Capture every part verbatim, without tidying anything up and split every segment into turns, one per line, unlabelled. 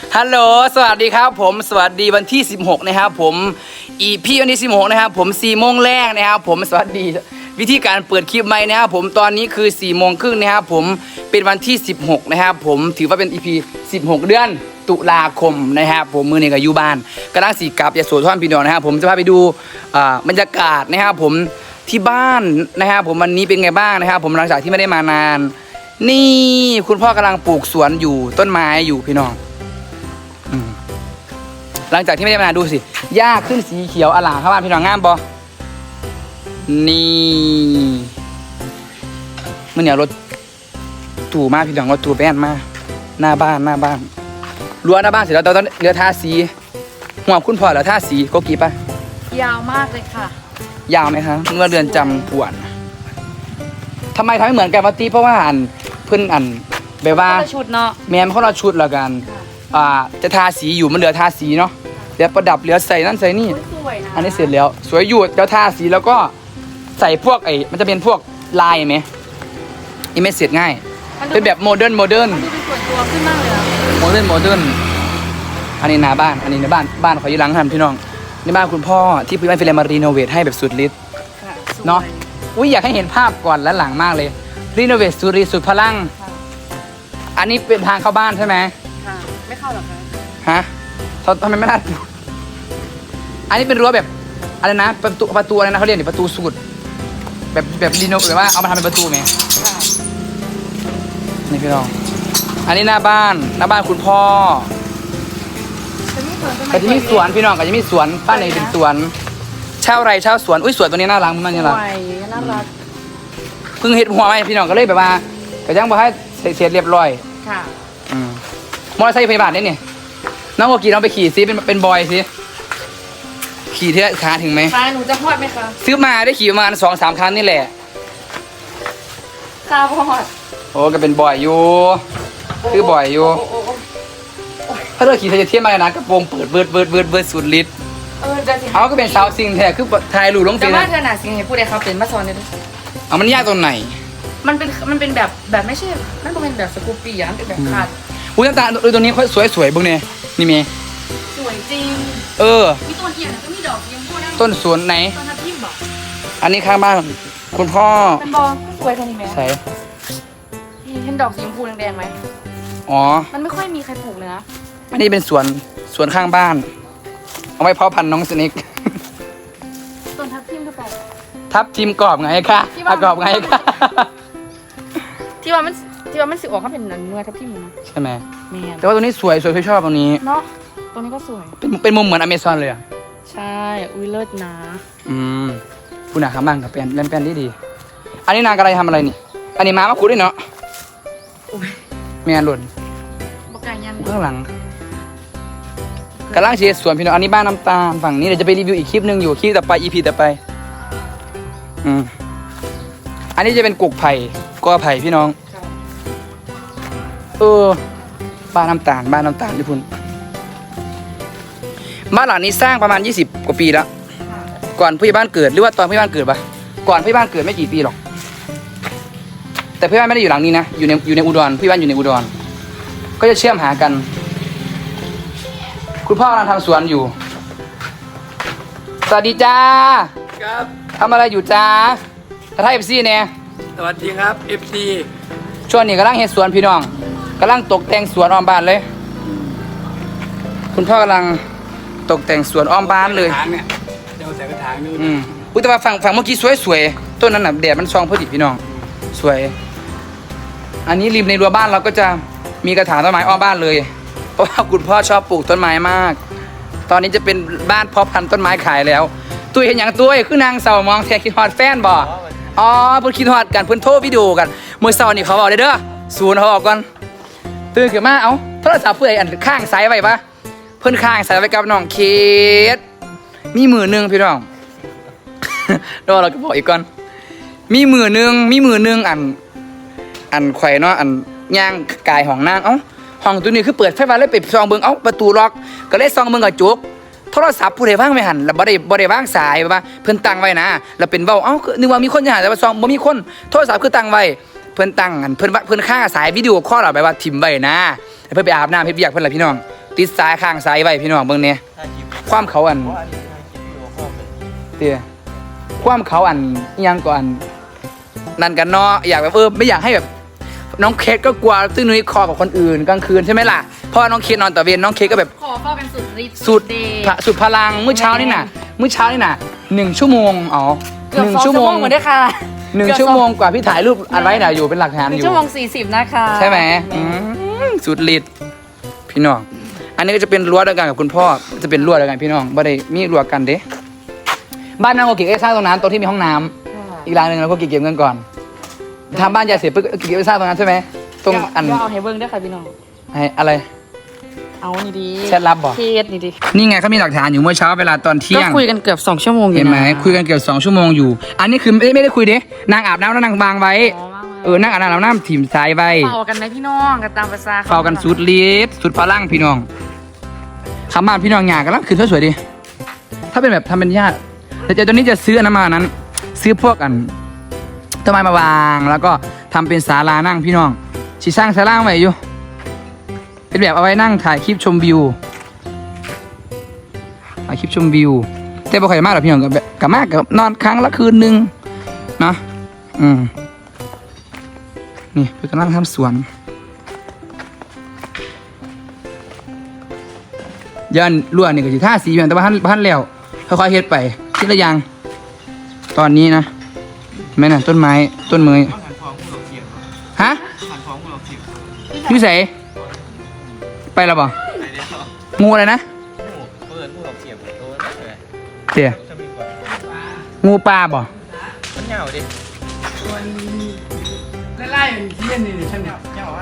ฮัลโหลสวัสดีครับผมสวัสดีวันที่สิบหกนะครับผมอีพี่วันที่สิบหกนะครับผมสี่โมงแรกนะครับผมสวัสดีวิธีการเปิดคลิปใหม่นะครับผมตอนนี้คือสี่โมงครึ่งนะครับผมเป็นวันที่สิบหกนะครับผมถือว่าเป็น อี พี สิบหกเดือนตุลาคมนะครับผมมือหนึ่งกับยูบ้านกำลังสีกลับยาโสธรพี่น้องนะครับผมจะพาไปดูบรรยากาศนะครับผมที่บ้านนะครับผมวันนี้เป็นไงบ้างนะครับผมหลังจากที่ไม่ได้มานานนี่คุณพ่อกำลังปลูกสวนอยู่ต้นไม้อยู่พี่น้องหลังจากที่ไม่ได้มาดูสิหญ้าขึ้นสีเขียวอลามเข้าบ้านพี่น้องงามบอนี่มันเนี่ยรถตู่มากพี่น้องรถตู่แป้นมากหน้าบ้านหน้าบ้านรั้วหน้าบ้านเสร็จแล้วตอนเรือทาสีหัวคุณพ่อแล้วทาสีโกกีปะ
ยาวมากเลยค่ะ
ยาวไหมคะเมื่อเรือนจำปวนทำไมทำให้เหมือนกันปะตีเพราะว่าอันเพื่อนอันแบบว่า
ชุดเนาะ
แมนเขาเราชุดแล้วกันอ่าจะทาสีอยู่มันเหลือทาสีเนาะเดี๋ยวประดับเหลือใส่นั่นใส่นี่อันนี้เสร็จแล้วสวยอยู่เดี๋ยวทาสีแล้วก็ใส่พวกไอ้มันจะเป็นพวกลายไหมอีเมจเสร็จง่ายเป็นแบบโมเดิร์นโมเดิร์น
มันดูเป็นส่วนตัวขึ้นมากเลยอะ
โมเดิร์นโมเดิร์นอันนี้หน้าบ้านอันนี้ในบ้านบ้านขอยืนหลังทันพี่น้องในบ้านคุณพ่อที่พี่บ้านฟิเลมารีโนเวทให้แบบสุดฤทธิ์เนาะอุ้ยอยากให้เห็นภาพก่อนและหลังมากเลยรีโนเวทสุดฤทธิ์สุดพลังอันนี้เป็นทางเข้าบ้านใช่ไหม
ค่ะไม่เข้าหรอคะ
ฮะทำไมไม่น่าอันนี้เป็นรั้วแบบอะไรนะประตูประตูอะไรนะเขาเรียกนี่ประตูสูตรแบบแบบรีโนแบบว่าเอามาทำเป็นประตูไหมนี่พี่น้องอันนี้หน้าบ้านหน้าบ้านคุณพ่อก็จะมีสวนพี่น้องก็จะมีสวนบ้านไหนเป็นสวนเช่าไรเช่าสวนอุ้ยสวนตัวนี้น่ารักมากนี่ล่ะ
น่ารัก
เพิ่งเห็ดหัวไหมพี่น้องก็เลยแบบว่าก็ยังบอกให้เสร็จเรียบร้อย
ค่ะ
อืมมอเตอร์ไซค์พยาบาลนี่นี่น้องโอกีน้องไปขี่ซิเป็นเป็นบอยซิขี่เท่าขาถึงไหม
ขาหนูจะพอดไหมคะ
ซื้อมาได้ขี่ประมาณสองสามครั้งนี่แหละ
ขาพอด
โอ้ก็เป็นบอยอยู่คือบอยอยู่ถ้าเราขี่เธอจะเทียบมาเลยนะกระโปรงเปิดเบิดเบิดเบิดเบิดสุดฤทธิ์
เออจะ
เอาก็เป็นสาวซิงแท้คือไทยหลุดลงฟิ
นแต่ว่าเธอหนาซิงให้พูดได้ครับเป็นมาซอนเนี่ย
เอามันยากตรงไหน
มันเป็นมันเป็นแบบแบบไม่ใช่มันเป็นแบบสกูปปี้อ่ะเป็นแบบขาด
อุ้ยน้ำตาลตรงนี้สวยสวยบุ้งเนี่ยนี่เมย์
สวยจริง
เออ
มีต้นเทียนก็มีดอกยังพูดได้
ต้นสวนไหน
ต้นทับทิมบอก
อันนี้ข้างบ้านคุณพ่อ
เป็นบอลสวยขนาดนี้ไหม
ใช่
เห็นดอกสีชมพูแดงๆไหม
อ๋อ
มันไม่ค่อยมีใครปลูกเลยนะ
อันนี้เป็นสวนสวนข้างบ้านเอาไว้เพาะพันธุ์น้องสนิก
ต้นทับทิมหรือเปล่า
ทับทิมกรอบไงคะกรอบไงคะ
ที่ว่ามันที่ว่ามันสึกออกเขาเป็นเนื้อทับทิมนะ
ใช่ไหมแต่ว่าตัวนี้สวยสวยพี่ชอบตรงนี้
เนาะตรงนี้ก็สวย
เป็นเป็นมุมเหมือนอเมซอนเลยอ่ะ
ใช่อุ้ยเลิศนะ
อืมคุณอาข้างบ้านกับแปลนเล่นแปลนดีดีอันนี้นางกระไรทำอะไรนี่อันนี้ม้ามาคุดด้วยเนาะแม่หล่นข้างหลังกำลังเชียร์สวนพี่น้องอันนี้บ้านน้ำตาลฝั่งนี้เดี๋ยวจะไปรีวิวอีกคลิปหนึ่งอยู่คลิปต่อไป อี พี ต่อไปอืมอันนี้จะเป็นกุกไผ่กอไผ่พี่น้องเออบ้านน้ำตาลบ้านน้ำตาลญี่ปุ่นบ้านหลังนี้สร้างประมาณยี่สิบกว่าปีแล้วก่อนพี่บ้านเกิดหรือว่าตอนพี่บ้านเกิดปะก่อนพี่บ้านเกิดไม่กี่ปีหรอกแต่พี่บ้านไม่ได้อยู่หลังนี้นะอยู่ในอยู่ในอุดรพี่บ้านอยู่ในอุดรก็จะเชื่อมหากันคุณพ่อกำลังทำสวนอยู่สวัสดีจ้า
ครับ
ทำอะไรอยู่จ้าถ้าไทยเอฟซีเนี่ย
สวัสดีครับเอฟซี
ช่วงนี้กำลังเฮ็ดสวนพี่น้องกำลังตกแต่งสวนอ้อมบ้านเลยคุณพ่อกำลังตกแต่งสวนอ้อมบ้านเลย
เนี่ยเดี๋ยวใส่กระถางนู่น
อืมอุ้ยแต่ว่าฝั่งฝั่งเมื่อกี้สวยๆต้นนั้นน่ะแดดมันส่องพอดีพี่น้องสวยอันนี้ริมในรั้วบ้านเราก็จะมีกระถางต้นไม้อ้อมบ้านเลยเพราะว่าคุณพ่อชอบปลูกต้นไม้มากตอนนี้จะเป็นบ้านเพาะพันธุ์ต้นไม้ขายแล้วตุ้ยเห็นอย่างตุ้ยคือนางเสามองแทคิดฮอดแฟนบ่อ๋อเพิ่นคิดฮอดกันเพิ่นโทรวิดีโอกันเมื่อเช้านี่เขาบอกเด้อศูนย์เขาบอกก่อนตื่นขึ้นมาเอ้าโทรศัพท์เพื่อนอันข้างซ้ายไว้ปะเพิ่นข้างซ้ายไว้กับน้องเคสมีมือนึงพี่น้องแล้วเราก็บอกอีกก่อนมีมือนึงมีมือนึงอันอันไข่เนาะอันย่างกายห้องนางเอ้าห้องตัวนี้คือเปิดไฟฟ้าเลยไปซองเบิ่งเอ้าประตูล็อกก็เลยซองเบิ่งกระจกโทรศัพท์ผู้ใดว่างไม่หันแล้วบ่ได้บ่ได้ว่างสายว่าเพิ่นตั้งไว้นะแล้วเป็นเว้าเอ้านึกว่ามีคนจะหาแต่ว่าซองบ่มีคนโทรศัพท์คือตั้งไว้เพิ่นตั้งอันเพิ่นว่าเพิ่นค่าสายวิดีโอคอลเอาไปว่าทิ่มไว้นะเพิ่นไปอาบน้ำเฮ็ดเวียกเพิ่นล่ะพี่น้องติดสายข้างสายไว้พี่น้องเบิ่งเนี่ยความเขาอันเตี้ยความเขาอันอิหยังก่อนนั่นกันเนาะอยากแบบเออไม่อยากให้แบบน้องเคสก็กลัวซึ่งนุ้ยคอกับคนอื่นกลางคืนใช่ไหมล่ะเพราะน้องเคสนอนต่อเวรน้องเคสก็แบบ
ขอเฝ้ากันสุดฤทธิ์
สุด
เดย์
พะสุดพลังเมื่อเช้านี่น่ะเมื่อเช้านี่น่ะหนึ่งชั่วโมงอ๋อ
เกือบ
หนึ่ง
สอง
ชั่
ชั่
ว
ว
โม
โม
ง
งเหมือนได้ค่ะ
หนึ่ง
เกือบ
ชั่วโมงกว่าพี่ถ่ายรูปอันไว้น่ะอยู่เป็นหลักฐาน
ห
อ
นึ่ง
ยู่
ชั่วโมงสี่สิบนะคะ
ใช่ไหมอืมสุดฤทธิ์พี่น้องอันนี้ก็จะเป็นรั้วเดียวกันกับคุณพ่อจะเป็นรั้วเดียวกันพี่น้องบ่ได้มีรั้วกันเด้บ้านนางโกกิก็สร้างตรงนั้นตรงที่มีห้องน้ำอีกหลังหนึ่งเราก็เก็บเงินก่อนทำบ้านยายเสร็จปุ๊บก็เก็บไปสร้างตรงนั้นใช่ไหมตรงอัน
เดี๋ยวเอาให้เบิ้งด้วยค่ะพี่น้อง
ให้อะไร
เอานี่ดี
แชทลับบอก
เคสนี่ดี
นี่ไงเขามีหลักฐานอยู่เมื่อเช้าเวลาตอนเที่
ก็
ยง
คุยกันเกือบสองชั่วโมงอยู่
เห็นไหม
นะ
คุยกันเกือบสองชั่วโมงอยู่ อันนี้คือไม่ไม่ได้คุยเด้นางอาบน้ำแล้วนางวางไว้
อ๋อว่างไว้
เออนั่งอาบน้ำแล้วน้ำถิ่มสายไว้
เฝ้ากันไหมพี่น้องกันตามภาษา
เฝ้ากันสุดฤทธิ์สุดพลังพี่น้องคำบ้านพี่น้องหยากันแล้วคือสวยๆดิถ้าเป็นแบบทำเป็นญาติแต่เจ้าตัวนี้จะซื้ออันนั้นมานั้น ซื้อพวกอันต้นไม้มาวางแล้วก็ทำเป็นศาลานั่งพี่น้องชีสร้างศาลาไว้อยู่เป็นแบบเอาไว้นั่งถ่ายคลิปชมวิวถ่ายคลิปชมวิวแต่บ่ค่อยมากหรอกพี่น้องกับแบบกับมากกับนอนครั้งละคืนนึงนะอืมนี่เพื่อนกำลังทำสวนยันรั่วนี่ก็สิท่าสีอย่างแต่ว่าพันพันแล้วค่อยๆเฮ็ดไปทีละอย่างตอนนี้นะแม่น่ะต้นไม้ต้นเมยฮะอยู่ไสไปแล้วบ่งูอะไรนะเตี๋ยงูปลาบ่
มันเหงาดิ
ไล่ๆเที่ยนนี่ฉันเนี่ย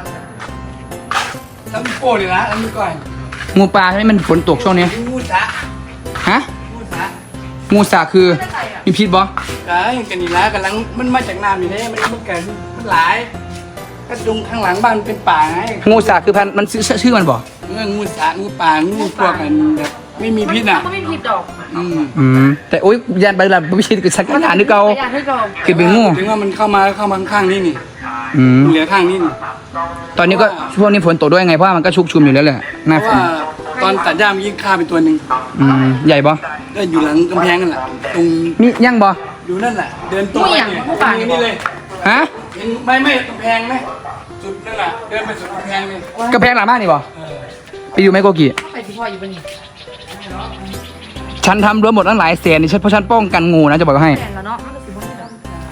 ทำโป้เลยนะทำก่อนงูปลาใช่ไหมมันฝนตกช่วงนี้
งูสะ
ฮะ
งูสะ
งูสาคือมีพิษบ่
กายกันนี่ละกำลังมันมาจากน้ำอยู่เนี่ยมันมันเกิดมันหลายกระดุงข้างหลังบ้านเป็นป่าไง
งูสาคือพันธุ์มันชื่อชื่อมันบ่
เมื่องูสะงูป่างูพวกกันแบบไม่มีพิษอ่ะ
ก็ไม่มีผิดดอก
อืม
อืมแต่โอ๊ยยันไปละไม่ใช่คือสักขนาดนึกเอา
อยากให้ดอก
คือเป็นงู
ถึงว่ามันเข้ามาเข้ามาข้างนี่นี่
อืม
เหลือข้างนี่นี่
ตอนนี้ก็ช่วงนี้ฝนตกด้วยไงเพราะว่ามันก็ชุกชุมอยู่แล้วแหละหน้า
เพ
ฝ
ราะ
น
ว่าตอนตัดหญ้ามันยิ่งฆ่าไปตัวหนึ่ง
อืมใหญ่บ่
ก็อยู่หลังกำแพงนั่นแหละตรง
มียั่งบ่
อยู่นั่นแหละเดินตรงไปเนี่ยตรงนี้เลย
ฮะ
เห็นไม่ไม่กำแพงไหมสุดนั่นแหละเดินไปสุดกำแพงเลย
กระแพงหลังบ้านนี่บ่
เออ
ไปอยู่ไหมโกกิ
ไปที่พ่ออยู่บนนี้
ฉันทำรั้วหมดตั้งหลายแสนนี่ฉันเพราะฉันป้องกันงูนะจะบอกให้
แฟนแล้วเนาะมันก็สิบ่ได้ดอก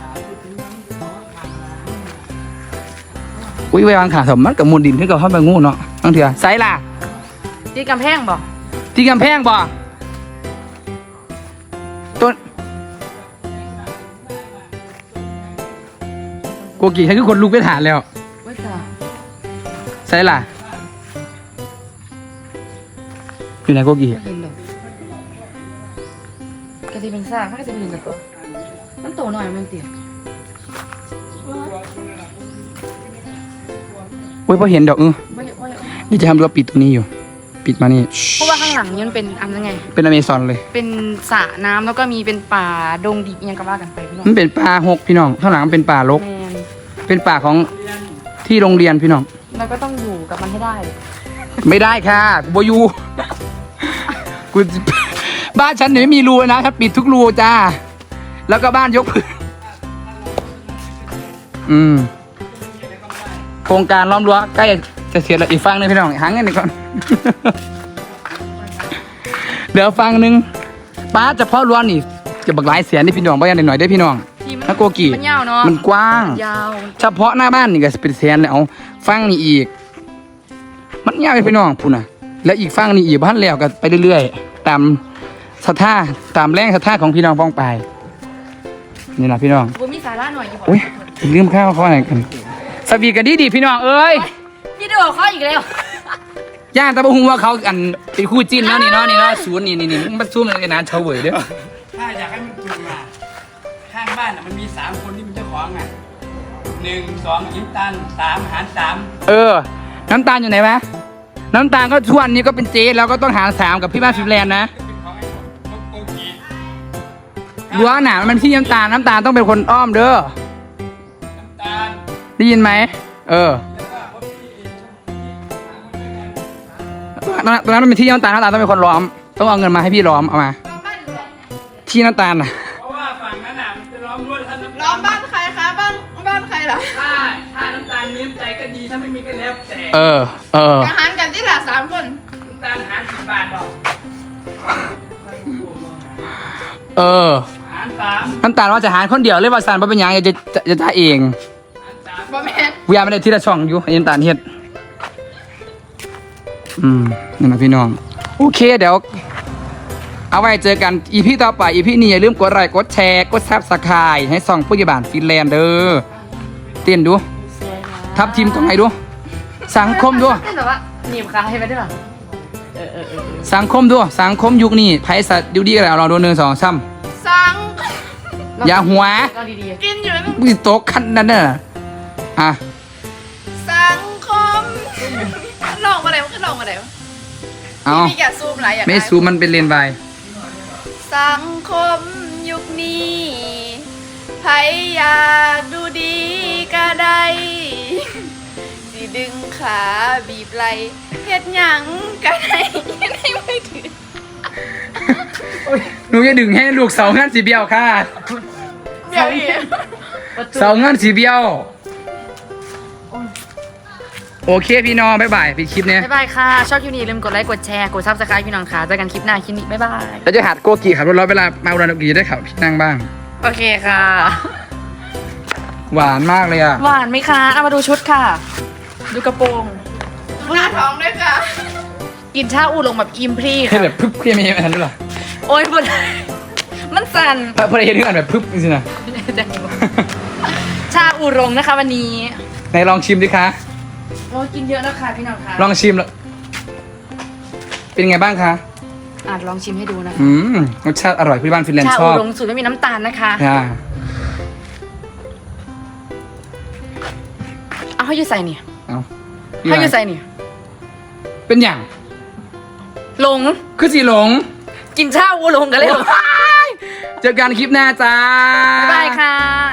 อุ้ยไว้วางขาสมมันกับมูลดินที่กับเข้าไปงูเนาะตั้งเถื่อไซล่ะ
ที่กำแพงบ่
ที่กำแพงบ่ต้นโกกิให้คือคนลุกไปฐานแล้ว
ไว้จ้า
ไซล่ะอยู่ไหนโกกิ
เห็นดอกก็สิเป็นซากมันก็สิเป็นกับตัวมันโตหน่อยมันเตี้ย
โอ้ยพอเห็นดอกเออ
ไม่ไม่
นี่จะทำรั้วปิดตรงนี้อยู่ ปิดมานี่
เพราะว่าข้างหลังนี่มันเป็นอันนั้นไง
เป็นอเมซอนเลย
เป็นสระน้ำแล้วก็มีเป็นป่าดงดิบอิหยังก็ว่ากันไปพี่น้อง
มันเป็นป่าหกพี่น้องข้างหลังมันเป็นป่ารก
แมน
เป็นป่าของที่โรงเรียนพี่น้อง
เราก็ต้องอยู่กับมันให้ได้
ไม่ได้ค่ะกูบอยู กูบ้านฉันเนี่ยไม่มีรูนะฉันปิดทุกรูจ้า แล้วก็บ้านยกพื้นอืมโครงการล้อมรั้วใกล้จะเสร็จแล้วอีกฝั่งหนึงพี่น้องหาเงินหน่อยก่อน เดี๋ยวฝั่งหนึงป้าเฉพาะรั้วนี่จะบักหลายแสนนี่พี่น้องบ้านหน่อยๆได้อพี่น้อง
ที่มัน
นะโกกิ
มันยาวเนาะ
มันกว้าง
ยาว
เฉพาะหน้าบ้านนี่ก็เป็นแสนแล้วฟังนี่อีก มันยาวไปพี่น้องพูดนะแล้วอีกฟังนี่อีกบ้านแล้วก็ไปเรื่อยๆตามศรัทธาตามแรงศรัทธาของพี่น้องป้องไปนี่นะพี่น้อง
กูมีสาระหน่อยอยู่บ่
อุ้ยลืมข้าวเขาอะไรกันสวีกันดีดีพี่น้องเอ้ย
พี่ดูเขาอีกแล้ว
ย่างตะบะฮุงว่าเขาอันเป็นคู่จิ้นแล้วนี่เนาะนี่เนาะศูนย์นี่นี่นี่มันซูมกันนานเฉาเว่ยเด้อ
ถ้าอยากให้มันจุงอ่ะข้างบ้านอ่ะมันมีสามคนที่เป็นเจ้าของอ่ะหนึ่งสองยิ้มตันสามหารสาม
เออ น้ำตาลอยู่ไหนวะน้ำตาลก็ทุกวันนี้ก็เป็นเจ๊แล้วก็ต้องหารสามกับพี่บ้านฟิลแลนด์นะ
เป็นของไอ้โกกี
รั้วหนามันที่น้ำตาลน้ำตาลต้องเป็นคนอ้อมเด้อ
น้ำตาล
ได้ยินไหมเออ
แล้วก็พ่อพี่เอง
เอตอนนั้นตอนนั้นมันเป็นที่น้ำตาลน้ำตาลต้องเป็นคนล้อม ต้องเอาเงินมาให้พี่ล้อมเอามา ที่น้ำตาลน่ะ
เพราะว่าฝั่งนั้นน่ะมันจะล้อมรั้วท่านน้ำตาล
ล้อมบ้านใครคะบ้านบ้านใครเหรอ
ถ้าถ้าน้ำตาลมีน้ำใจก็ดีถ้าไม่มีก็แล้วแต่
เออ เออ
อาหารกันที่หละสามคน
น้ำตาลหารสิบบาทบอก
เออ
หารสาม
น้ำตาลว่าจะหารคนเดียวเลยว่าสารว่าเป็นหยังจะจะจะจะเอง
หารสาม
บอแมน
วิยาไม่ได้ที่ละช่องอยู่ไอ้น้ำตาลเฮ็ด อืมนี่นะพี่น้อง โอเคเดี๋ยว เอาไว้เจอกันอีพีต่อไปอีพีนี้อย่าลืมกดไลค์กดแชร์กดซับสไครต์ให้ส่องผู้ใหญ่บ้านฟินแลนด์เด้อเต้นดู ทับทีมตรงไหนดู สังคมดู
เป็นแบบว่าหนีบขาให้ไปได้หรอเออเออเออ
สังคมดู สังคมยุคนี้ไพ่สัตว์ดูดีกันแล้วเราดูหนึ่งสองซ้
สัง
ำอย่าหัว
ก็ดี
กินอยู่นั่น
มึงโต๊ะคันนั่นน่ะอ่ะ
สังคมลองมาไหนมันก็ลองมาไหนวะ
เอา
พี่แกซูมไรอย่าง
ไม่ซูมมันเป็นเลนส์ไป
สังคมยุคนี้ไผอยากดูดีก็ได้สิดึงขาบีบไหลเฮ็ดหยังก็ได้ในมือถือ
หนูจะดึงให้ลูกเสางานสีเบี้ยวค่ะ
เดี๋ยวอีก
เสางานสีเบี้ยว โอเคพี่น้องบ๊ายบายพี่คลิปเนี้ย
บ๊ายบายค่ะ ชอบคลิปนี้อย่าลืมกดไลค์ กดแชร์ กดซับสไครต์พี่น้องค่ะเจอกันคลิปหน้าคลิปนี้ บ๊ายบาย
แล้วจะหัดโกกีขับรถร้อยเวลามาอุดรธานีจะได้ขับพี่นั่งบ้าง
โอเคค่ะ
หวานมากเลยอ่ะ
หวานไหมคะ เอามาดูชุดค่ะ ดูกระโปรงหน้าท้องด้วยค่ะ กินชาอูลงแบบอิมพรี
ให้
ค่ะ
แบบพึบเพี้ยไม่ใช่อันนั้นหรอ
โอ้ยบุญมันสั่น
พอได้เห็นถึงอันแบบพึบจริงๆนะ
ชาอูรงนะคะวันนี้
ไหนลองชิมดิคะ
โอ้ยกินเยอะแล้วค่ะพี่น้องค่ะ
ลองชิมแล้วเป็นไงบ้างคะ
อาจลองชิมให้ดูนะคะ
อืมรสชาติอร่อยพี่บ้านฟินแลนด์
ชา
ช
อู
อบ
รงสูตรไม่มีน้ำตาลนะคะ
ค่ะ
เอาให้อยูใส่เนี่ย
เอา
ให้อยูใส่เนี่ย
เป็นอย่าง
หลง
คือสีหลง
กินชาอูรงกันเลยหลง
เจอกันคลิปหน้าจ้า
บ๊ายบายค่ะ